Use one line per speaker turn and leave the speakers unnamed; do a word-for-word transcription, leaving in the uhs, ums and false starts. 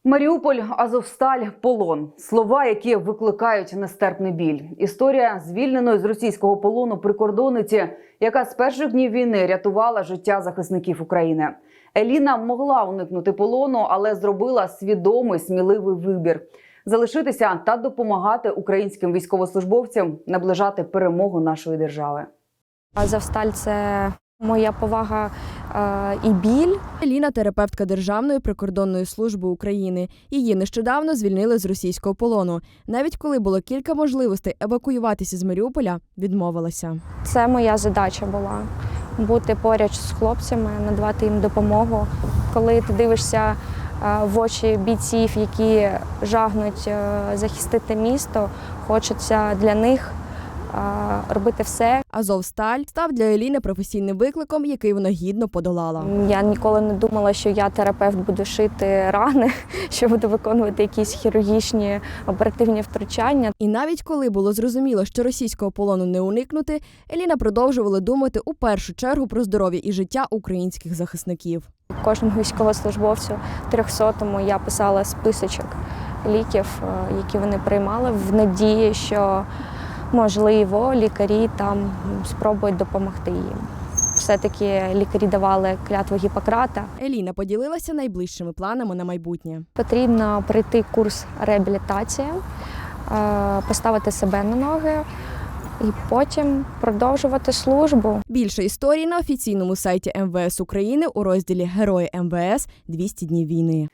Маріуполь, Азовсталь, полон – слова, які викликають нестерпний біль. Історія звільненої з російського полону прикордонниці, яка з перших днів війни рятувала життя захисників України. Еліна могла уникнути полону, але зробила свідомий, сміливий вибір – залишитися та допомагати українським військовослужбовцям наближати перемогу нашої держави.
Азовсталь – це моя повага е, і біль.
Еліна – терапевтка Державної прикордонної служби України. Її нещодавно звільнили з російського полону. Навіть коли було кілька можливостей евакуюватися з Маріуполя, відмовилася.
Це моя задача була – бути поряд з хлопцями, надавати їм допомогу. Коли ти дивишся в очі бійців, які жагнуть захистити місто, хочеться для них робити все.
Азовсталь став для Еліни професійним викликом, який вона гідно подолала.
Я ніколи не думала, що я терапевт, буду шити рани, що буду виконувати якісь хірургічні оперативні втручання.
І навіть коли було зрозуміло, що російського полону не уникнути, Еліна продовжувала думати у першу чергу про здоров'я і життя українських захисників.
Кожному військовослужбовцю трьохсотому я писала списочок ліків, які вони приймали, в надії, що можливо, лікарі там спробують допомогти їм. Все-таки лікарі давали клятву Гіппократа.
Еліна поділилася найближчими планами на майбутнє.
Потрібно пройти курс реабілітації, поставити себе на ноги і потім продовжувати службу.
Більше історій на офіційному сайті ем ве ес України у розділі «Герої ем ве ес. двісті днів війни».